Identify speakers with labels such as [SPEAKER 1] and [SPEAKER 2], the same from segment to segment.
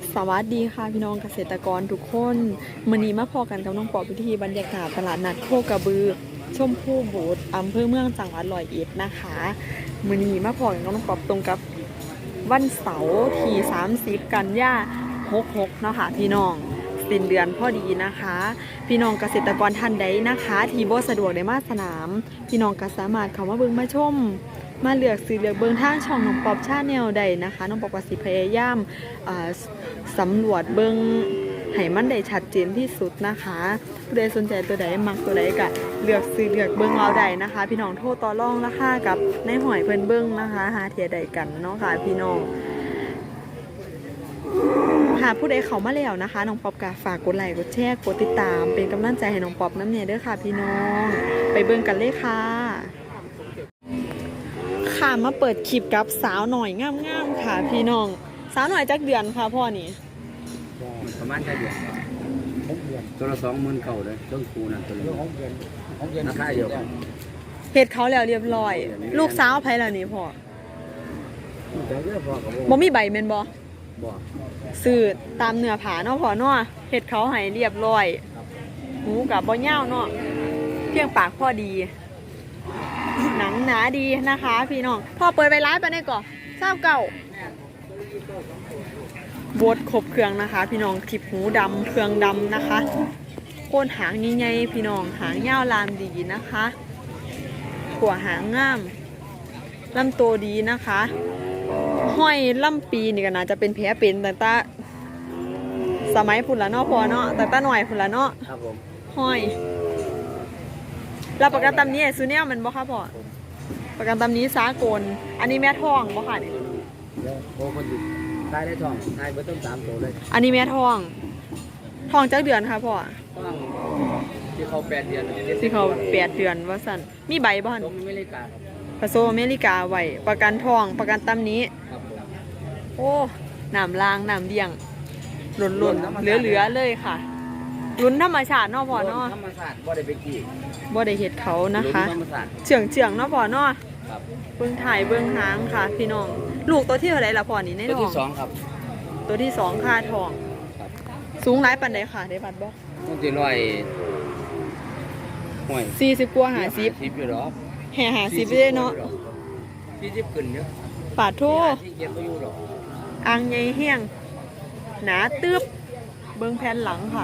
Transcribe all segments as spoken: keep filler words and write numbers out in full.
[SPEAKER 1] สวัสดีค่ะพี่น้องเกษตรกรทุกคนมื้อนี้มาพอกันกับน้องปอบพิธีบรรยากาศตลาดนัดโคกระบือชมพู่บูธอำเภอเมืองจังหวัดร้อยเอ็ดนะคะมื้อนี้มาพอกันกับน้องปอบตรงกับวันเสาร์ที่สามสิบกันยายนหกหกเนาะค่ะพี่น้องสิ้นเดือนพอดีนะคะพี่น้องเกษตรกรท่านใดนะคะที่บ่สะดวกได้มาสนามพี่น้องก็สามารถเข้ามาเบิ่งมาชมมาเลือกซื้อเลือกเบิ่งทางช่องน้องปอบชาแนลได้นะคะน้องปอบก็สิพยายามสำรวจเบิ่งให้มันได้ชัดเจนที่สุดนะคะผู้ใดสนใจตัวใดมักตัวใดก็เลือกซื้อเลือกเบิ่งเอาได้นะคะพี่น้องโทรต่อรองราคากับในหอยเพิ่นเบิ่งนะคะหาเทียใดกันเนาะค่ะพี่น้องหากผู้ใดเข้ามาแล้วนะคะน้องป๊อบก็ฝากกดไลค์กดแชร์กดติดตามเป็นกำลังใจให้น้องป๊อบน้ำเนี่ยเด้อค่ะพี่น้องไปเบิ่งกันเลยค่ะค่ะมาเปิดคลิปกับสาวหน่อยงามๆค่ะพี่น้องสาวหน่อยจักเดือนค่ะพ่อนี่
[SPEAKER 2] ประมาณแค่เดือนตัวละสองหมื่นเก่าเลยเครื่องครูนั่นตัวละราคาเดียวกัน
[SPEAKER 1] เฮ็ดเขาแล้วเรียบร้อยลูกสาวไผล่ะนี่พ่อบ่มีใบแม่นบ่บ่ซื้อตามเนื้อผาเนาะพ่อเนาะเฮ็ดเขาให้เรียบร้อยหูกับบ่ยาวเนาะเพียงปากพอดีหนังหนาดีนะคะพี่น้องพ่อเปิดไปร้านไปได้ก่อนเศร้าเก่าบดครบเครื่องนะคะพี่น้องคลิปหูดำเครื่องดำนะคะโคนหางใหญ่ๆพี่น้องหางยาวลามดีนะคะขัวหางงามลำโตดีนะคะห้อยลำปีนี่ก็น่าจะเป็นแผลเป็นแต่ตาสมัยพุ่นละเนาะพอเนาะแต่ตาหน่อยพุ่นละเนาะ
[SPEAKER 2] ครับผม
[SPEAKER 1] ห้อยรับประกันตำนี้ซูเนียมันบ่ค่ะพ่อประกันตำนี้สากลอันนี้แม่ท้องบ่ค่ะนี่
[SPEAKER 2] โอ้คนอยู่ตายได้ทองตายเบอร์ต้นสามตัวเลย
[SPEAKER 1] อันนี้แม่ท้องท้องจักเดือนค่ะพ่อ
[SPEAKER 2] ท้องที่เขาแปดเดือน
[SPEAKER 1] ที่เขาแปดเดือนว่าสั่นมีใบบ่หั่น
[SPEAKER 2] อเมริกา
[SPEAKER 1] ผสมอเมริกาไว้ประกันท้องประกันตำนี้โอ้น้ำล้างน้ำเดี่ยงหล่นๆเหลือๆเลยค่ะลุ้นธรรมชาติเนาะพ่อเนาะ
[SPEAKER 2] ธรรมชาติบ่ได้ไปกี้
[SPEAKER 1] บ่ได้เฮ็ดเขานะคะเฉียงเฉียงเนาะพ่อเนาะ
[SPEAKER 2] ครับ
[SPEAKER 1] เบื้องถ่ายเบื้องหางค่ะพี่น้องลูกตัวที่เท่าไหร่ล่ะพ่อนี่ในท้อง
[SPEAKER 2] ตัวที่สองครับ
[SPEAKER 1] ตัวที่สองค่าทองสูงหลายปานใดค่ะได้บัดบ่
[SPEAKER 2] ต้องตีร้อยห่วย
[SPEAKER 1] สี่สิบกว่าห้าสิบ
[SPEAKER 2] สิบอยู่หรอ
[SPEAKER 1] แห่ห้าสิบได้เนาะ
[SPEAKER 2] สี่สิบขึ้นเยอะ
[SPEAKER 1] ปาดโทอ่างใหญ่แห้งหนาตึบเบื้องแผ่นหลังค่ะ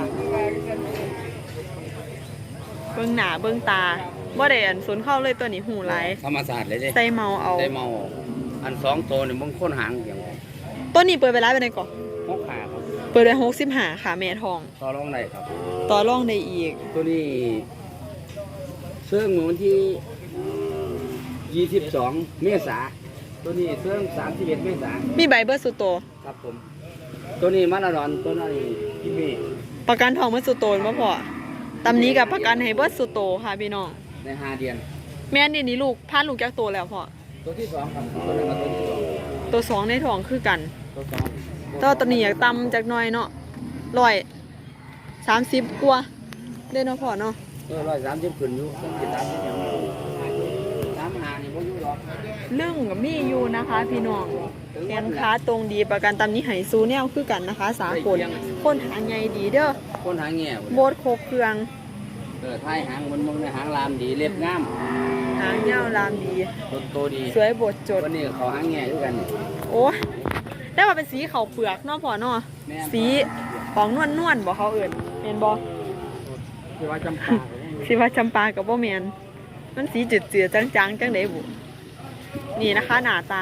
[SPEAKER 1] เบื้องหน้าเบื้องตาบ่ได้อันสนเข้าเลยตัวนี้หูไหล
[SPEAKER 2] ธรรมศาสตร์เลยเด้
[SPEAKER 1] ใส่เมาเอา
[SPEAKER 2] ใส่เมาอันสองตัวนี่มึงค้นหางอย่าง
[SPEAKER 1] ตัวนี้เปิดไปร้านไปไหนก่อน
[SPEAKER 2] หกขาครับ
[SPEAKER 1] เปิดไปหกสิบห้าค่ะแม่ทอง
[SPEAKER 2] ต่อรองได้ครับ
[SPEAKER 1] ต่อรองได้อีก
[SPEAKER 2] ตัวนี้เสื่องเมื่อวันที่ยี่สิบสองเมษาตัวนี้เสื่องสามสิบเอ็ดเมษา
[SPEAKER 1] มีใบเบอร์สุโต
[SPEAKER 2] ครับผมตัวนี้มาลาดอนตัวนี้ที่มี
[SPEAKER 1] ประกันทองเบอร์สุโตนบ่พอตำนี้กับประกันให้เบอร์สุโตค่ะพี่น้อง
[SPEAKER 2] ในห้าเดือน
[SPEAKER 1] แม่นี่นี่ลูกพานลูกจากโตแล้วพ่อ
[SPEAKER 2] ตัวที่สองครับตัวนี้มาตัวที่สอง
[SPEAKER 1] ตัวสองในท้องคือกัน
[SPEAKER 2] ตัวสอง
[SPEAKER 1] ตัวตัวนี้อยากตำจากหน่อยเนาะร้อยสามสิบกว่าได้เนาะพ่อเนาะ
[SPEAKER 2] เออร้อยสามสิบขึ้นอยู่ต้องติดตามที่ยังสามหานี่พวกอยู่หรอก
[SPEAKER 1] เรื่องกับมีอยู่นะคะพี่น้องแขนขาตรงดีประกันตำนี้ให้ซูเนี่ยคือกันนะคะสากลคนหางใหญ่ดีเด้อ
[SPEAKER 2] คนหางแง่
[SPEAKER 1] โบดโคเครื่อง
[SPEAKER 2] เออท้ายหางมันมึงในหางลามดีเล็บงาม
[SPEAKER 1] หางเงาลามดี
[SPEAKER 2] ต้นโตดี
[SPEAKER 1] สวยบดจด
[SPEAKER 2] วันนี้เขาหางแง่ด้วยกัน
[SPEAKER 1] โอ้ได้มาเป็นสีเขาเปลือกเนาะพ่อเนาะสีของนวลนวลบ่เขาเอื่นเมนบ่
[SPEAKER 2] สีว่าจำปา
[SPEAKER 1] สีว่าจำปากับบ่เมนมันสีจืดจืดจางจางจังเดบุนี่นะคะหน้าตา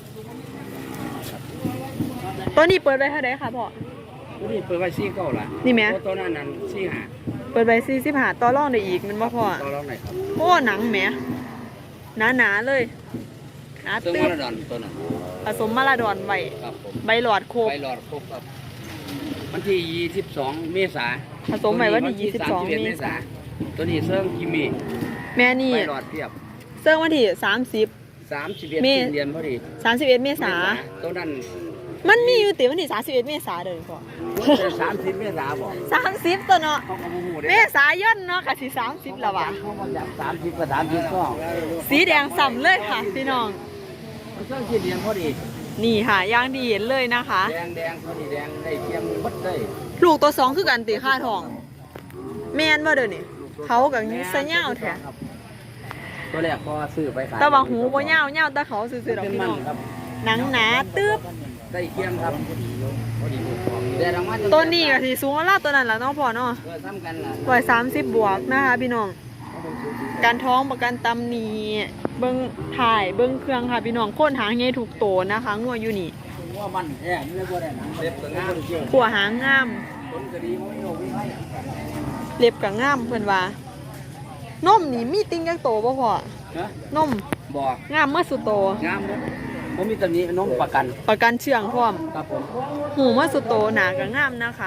[SPEAKER 1] ตัวนี้เปิดไว้เท่าไหร่คะพ่อ
[SPEAKER 2] ตัวนี้เปิดไว้สี่เก้าละ
[SPEAKER 1] นี่แม่
[SPEAKER 2] ตัวนั้นนั้นสี่ห้า
[SPEAKER 1] เปิดไว้สี่สิบห้าต่อรองได้อีกมันบ่พ่อ
[SPEAKER 2] ต่อรองได้ครับ
[SPEAKER 1] โอ้หนังแหมหนาหนาเลยหนา
[SPEAKER 2] ตึ๊บมาลาดอนตัวนั้น
[SPEAKER 1] ผสมมาลาดอนไว้ใบหลอดโคบ
[SPEAKER 2] ใบหลอดโคบครับวันที่ยี่สิบสองเมษา
[SPEAKER 1] ผสมไว้วันที่ยี่สิบสองเมษา
[SPEAKER 2] ตัวนี้เซิร์งกิมิ
[SPEAKER 1] แม่นี่
[SPEAKER 2] ใบหลอดเทียบ
[SPEAKER 1] เซิร์งวันที่สามสิบ
[SPEAKER 2] สามสิบเอ็ดเดือนพอดี
[SPEAKER 1] สามสิบเอ็ดเมษา
[SPEAKER 2] ตัวนั้น
[SPEAKER 1] มันมีอยู่ติวันที่สามสิบเอ็ดเมษาเดินพ่อ
[SPEAKER 2] สามสิบเมษาบอก
[SPEAKER 1] สามสิบตัวเนาะเมษายนเนาะค่ะสิสามสิบแล้ววะ
[SPEAKER 2] สามสิบกับสามสิบก็
[SPEAKER 1] สีแดงส่ำเลยค่ะพี่น้อง
[SPEAKER 2] มันเซิร์งกินเดือนพอดี
[SPEAKER 1] นี่ค่ะย่างดีเห็นเลยนะคะ
[SPEAKER 2] แดงแดงตัวนี้แดงได้เทียมหมดเลย
[SPEAKER 1] ลูกตัวสองคือกันตีค่าทอง แม่นว่าเดี๋ยวนี้เขากับนี้ซะเงาแท้
[SPEAKER 2] ตัวแรกพอซื้อไปขาย
[SPEAKER 1] แต่ว่าหูบ่เงาเงาแต่เขาซื่อๆดอก
[SPEAKER 2] เป็น
[SPEAKER 1] พี่
[SPEAKER 2] มั
[SPEAKER 1] น้
[SPEAKER 2] น
[SPEAKER 1] อง
[SPEAKER 2] ครับ
[SPEAKER 1] หนังหนาตึ๊บ
[SPEAKER 2] ได้เทียมครับแต่รางวัล
[SPEAKER 1] ต้นนี้ก็สิสูงกว่าลาตัวนั้นล่ะเนาะพ่อเนาะ
[SPEAKER 2] เออซ้ำกันล่ะ
[SPEAKER 1] ร้อยสามสิบบวกนะคะพี่น้อง การท้องประกันตำหนีเบิ้งถ่ายเบิ้งเครื่องค่ะพี่น้องโค่นหางใหญ่ถูกโตนะคะงัวอยู่นี่
[SPEAKER 2] ว่ามันแท้นี่บ่ได้หนังเล็บก็งาม
[SPEAKER 1] ขัวหางงาม
[SPEAKER 2] ผลก็ดีบ่มีโรคมีภัย
[SPEAKER 1] เล็บกับงามเพื่อนว่านมนี่มีติ้งจักโตบ่พ่อ
[SPEAKER 2] นะ
[SPEAKER 1] นม
[SPEAKER 2] บ่
[SPEAKER 1] งามเมื่อสุดโต
[SPEAKER 2] งามบ่ผมมีตำหนิน้องประกัน
[SPEAKER 1] ประกันเชื่องพร้อม
[SPEAKER 2] ครับผม
[SPEAKER 1] หูเมื่อสุดโตหนากับงามนะคะ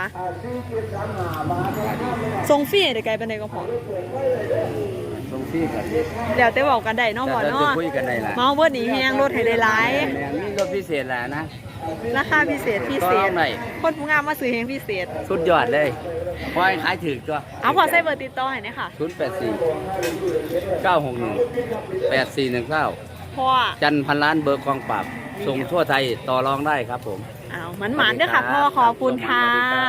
[SPEAKER 1] ทรงฟรีได้ไกลปานใดก็พอ
[SPEAKER 2] ตรงที่กัน
[SPEAKER 1] แล้วแต่บอกกันได้เนาะพ่อ
[SPEAKER 2] แต่เรา
[SPEAKER 1] เนาะ
[SPEAKER 2] จะคุยกันได้ล่ะ
[SPEAKER 1] เมาเบิดนี่แฮงรถให้ได้หลาย
[SPEAKER 2] แม่มีรถพิเศษแหละนะ
[SPEAKER 1] ราคาพิเศษพิเศ
[SPEAKER 2] ก็
[SPEAKER 1] ษ
[SPEAKER 2] เอาหน่อย
[SPEAKER 1] คนผู้งามมาซื้อแฮงพิเศษ
[SPEAKER 2] สุดยอดเลยพอยขายถือตัว
[SPEAKER 1] เอาพอใส่เบอร์ติดต่อให้เนี่ยค่ะ
[SPEAKER 2] ศูนย์แปดสี่เก้าหกหนึ่งแปดสี่หนึ่งเก้า
[SPEAKER 1] พ่อ
[SPEAKER 2] จันพันล้านเบอร์กองปราบส่งทั่วไทยต่อรองได้ครับผม
[SPEAKER 1] อ้าวมันหมานด้วยค่ะพ่อขอบคุณค่ะ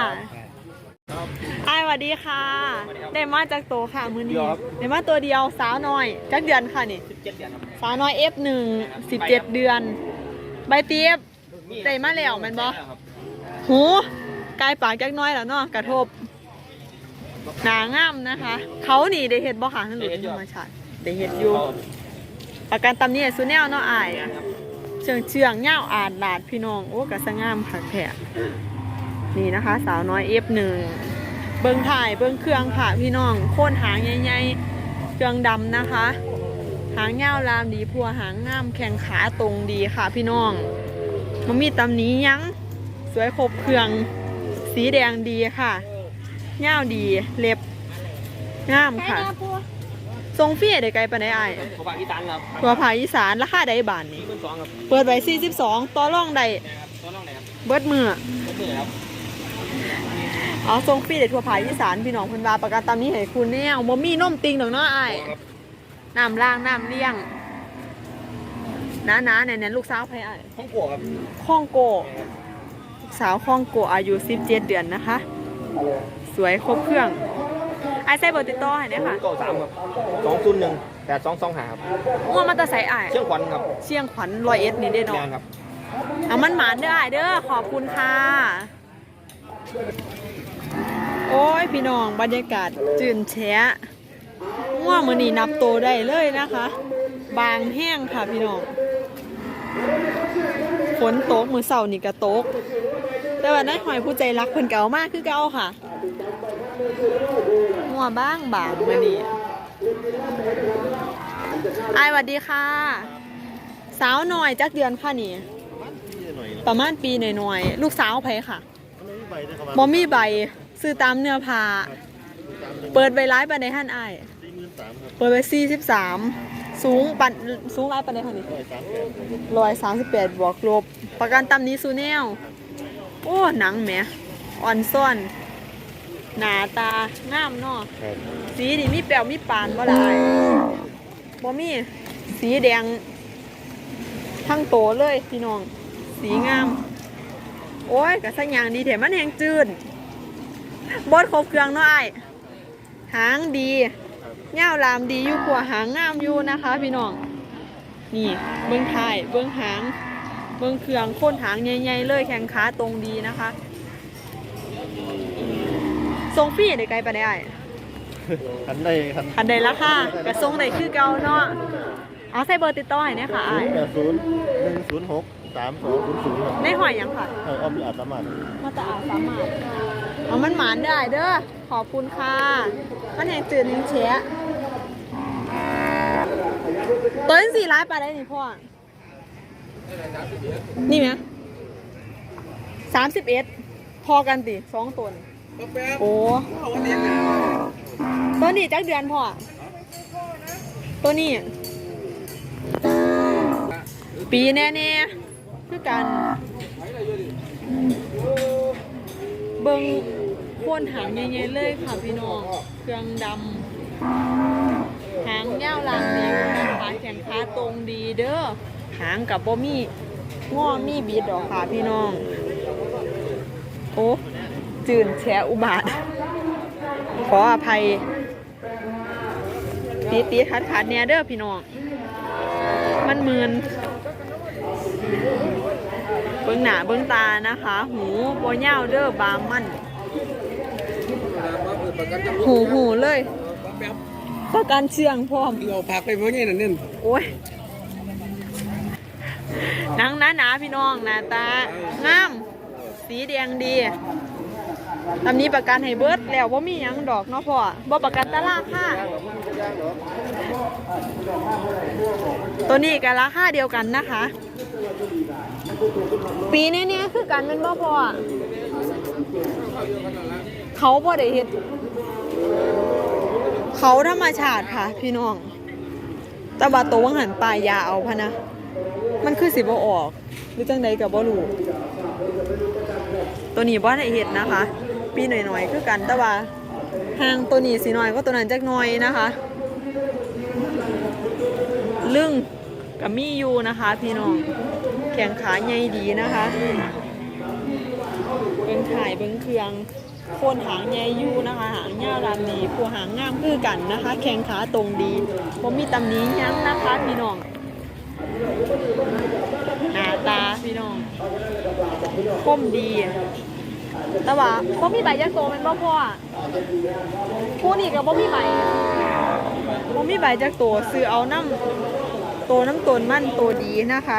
[SPEAKER 1] ไอ้ายสวัสดีค่ะ ได้มาจากโตค่ะมือนี้ได้มาตัวเดียวสาวน้อยจักเดือนค่ะนี่สาวน้อย เอฟ หนึ่ง สิบเจ็ดเดือน ใบเตียบได้มาแล้วแมันบ่หูกายปากจักน้อยแล้วเนาะกระทบหนางามนะคะ เขานี่ได้เห็ดบ่ค่ะท่านหลุดธรรมชาติได้เห็ดอยู่ประกันตำนี้สุแนวเนาะอ้ายเชื่องเชื่องเง่าอาดหลาดพี่น้องโอ้กระสงามผักแผะนี่นะคะ สาวน้อย เอฟ หนึ่ง เบิ้งถ่ายเบิ้งเครื่องค่ะพี่น้องโค่นหางใหญ่ๆเครื่องดำนะคะ หางยาวลามดีพัวหางงามแข้งขาตรงดีค่ะพี่น้องมันมีตำหนี้ยั้งสวยครบเครื่องสีแดงดีค่ะยาวดีเล็บงามค่ะทรงเฟียได้ไกลปานใดอ้าย
[SPEAKER 3] ขอบางอีสานครับ
[SPEAKER 1] ตัวผาอีสานราคาใดบาทนี่
[SPEAKER 3] ที่มันสองครับ
[SPEAKER 1] เปิดไว้สี่สิบสองต่อรองใด
[SPEAKER 3] ตัวน้องไหนครับ
[SPEAKER 1] เบิดมือ
[SPEAKER 3] ก็คือครับ
[SPEAKER 1] เอาทรงฟรีเด็ดทั่วภาคอีสานพี่น้องเพิ่นว่าประกันตามนี้ให้คุณแน่บ่มีนมติงดอกเนาะอ้ายน้ำล่างน้ำเลี้ยงน้าๆแน่นๆลูกสาวไผอ้าย
[SPEAKER 3] ห้องกัวครับ
[SPEAKER 1] คองโกลูกสาวคองโกอายุสิบเจ็ดเดือนนะคะ สวยครบเครื่องอ้ายใส่เบอร์ติดต่อให้ได้ค่ะ
[SPEAKER 3] เก้าสามครับสองศูนย์หนึ่งแปดสองสองหาครับ
[SPEAKER 1] ง่วงมาแตะไสอ้าย
[SPEAKER 3] เชียงขวัญครับ
[SPEAKER 1] เชียงขวัญร้อยเอ็ดนี่เด้
[SPEAKER 3] แม
[SPEAKER 1] เนาะ
[SPEAKER 3] นครับ
[SPEAKER 1] เอามันหมานเด้ออ้ายเด้อขอบคุณค่ะโอ้ยพี่น้องบรรยากาศจื่นแฉะง่วงมือนี่นับโตได้เลยนะคะ บางแห้งค่ะพี่น้องฝนตกมือเสาร์นี่ก็ตก แต่ว่านั้นหอยผู้ใจรักเพิ่นเก่ามากคือเก่าค่ะง่วงบ้างบางมือนี่อายสวัสดีค่ะ สาวหน่อยจักเดือนค่ะนี่ ประมาณปีหน่อยๆลูกสาวไผค่ะบอมี่ใบซื้อตามเนื้อผ้าเปิดใบร้ายปันในหันอ้ายเปิดไปสี่สิบสามสูงปันสูงร้ายปันในหันนี่ร้อยสามสิบแปดบวกลบประกันตำนี้ซูแนวโอ้หนังแหมอ่อนซ่อนหนาตางามเนาะสีนี่มีแป๋วมีปานบ่ได้บ่มีสีแดงทั้งโตเลยพี่น้องสีงามโอ้ยกระสังยางดีแถมมันแหงจืดบดครบเครื่องเนาะไอ้หางดีเง่าลามดีอยู่กว่าหางงามอยู่นะคะพี่น้องนี่เบื้องท้ายเบื้องหางเบื้องเครื่องโค่นหางใหญ่ๆเลยแข้งขาตรงดีนะคะทรงฟรีได้ไกลปะเนี่ยไอ้
[SPEAKER 3] คันได้คัน
[SPEAKER 1] อันใดละค่ะกระทรงใดคือเก่าเนาะเอาใส่เบอร์ติดต่อให้เนี่ยค่ะไอ้
[SPEAKER 3] แปดศูนย์หนึ่งศูนย์หกสามสองศูนย์ศูนย์ครับ
[SPEAKER 1] ในหอยยังค่ะ
[SPEAKER 3] เอออ้อมอาจสามารถ
[SPEAKER 1] มาตาอาสามารถเอามันหมานได้เด้อขอบคุณค่ะมันแห่งจืดนิ้งเชะตัวนี้สี่ร้ายไปได้นี่พ่อนี่ไหมสามสิบเอ็ดพอกันติสองตัวนี่โอ้ตัวนี้จักเดือนพ่อตัวนี้ปีแน่ๆคือกันเบิ่งโค่นหางใหญ่ๆเลยค่ะพี่น้องเครื่องดำหางยาวลางดีขาแข็งขาตรงดีเด้อหางกับบ่มีง้อมีบิดดอกค่ะพี่น้องโอ้จืนแฉอุบาทขออภัยตีตีขาดขาดแนเด้อพี่น้องมันมืนเบิ้งหน้าเบิ้งตานะคะ หูบ่ยาวเด้อบางมันหูหูเลยประกันเชียงพร้อม
[SPEAKER 2] เราพักไปเพราะงี้นั่นนี่
[SPEAKER 1] โอ้ยหนังหนาๆพี่น้องหน้าตางามสีแดงดีตำนี้ประกันให้เบิดแล้วว่ามีหยังดอกเนาะพ่อบ่ประกันตลาดค่ะตัวนี้กับราคาเดียวกันนะคะ ปีนี้เนี่ยคือกันเป็นบ่พ่อเขาบ่ได้เฮ็ดเขาธรรมชาติค่ะพี่น้องแต่ว่าตัววังหันปลายยาเอาพะนะมันคือสิบ่ออกหรือจังใดกับบ่รู้ตัวนี้บ่ได้เฮ็ดนะคะปีหน่อยๆคือกันแต่ว่าห่างตัวนี้สิน้อยก็ตัวนั้นจักหน่อยนะคะลึ่งกับมีอยู่นะคะพี่น้องแขงขาใหญ่ดีนะคะเบิ้งถ่ายเบิ้งเครื่องโคนหางใหญ่อยู่นะคะหางยาวรามดีผู้หางงามคือกันนะคะแขงขาตรงดีผมมีตำหนิยั้งนะคะพี่น้องหน้าตาพี่น้องคมดีแต่ว่าบ่มีใบยักษ์โตมันบ่พอผู้นี่ก็บ่มีใบบ่มีใบยักษ์โตซื้อเอาน้ำโตน้ำตนมันโตดีนะคะ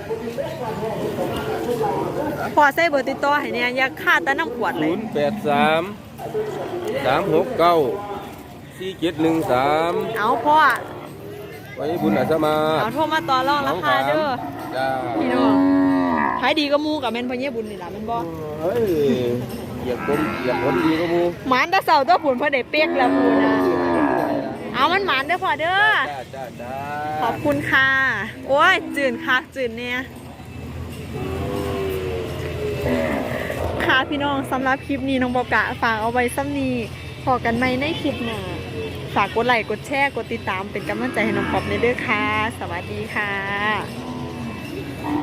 [SPEAKER 1] พอใส่เบอร์ติดต่อให้เนี่ยอยากค่าแต่น้ำขวดเลย
[SPEAKER 4] ศูนย์แปดสามสามหกเก้าสี่เจ็ดหนึ่งสาม
[SPEAKER 1] เอาพ่อ
[SPEAKER 4] ไว้บุญอาสมา
[SPEAKER 1] เอาโทรมาต่อรองราคาเด้อ
[SPEAKER 4] จ้า
[SPEAKER 1] พี่น้องขายดีก็มูกับแม่นพ่อเยี่ยบุญนี่ล่ะแม่นบ่
[SPEAKER 4] เฮ้ยเหยียบคนเหยียบคนดีก็มู
[SPEAKER 1] หมานตะเสาตัวผุนพ่อได้เปียกแล้วพูนะเอามันหมานเด้อพ่อเด้อ
[SPEAKER 4] จ้าจ้าจ้า
[SPEAKER 1] ขอบคุณค่ะโอ้ยจืนคักจืนเนี่ยค่ะพี่น้องสำหรับคลิปนี้น้องบอกกะฝากเอาไว้ซ้ำนี้พอกันไหมในคลิปหน้าฝากกดไลค์กดแชร์กดติดตามเป็นกำลังใจให้น้องปอบในเด้อค่ะสวัสดีค่ะ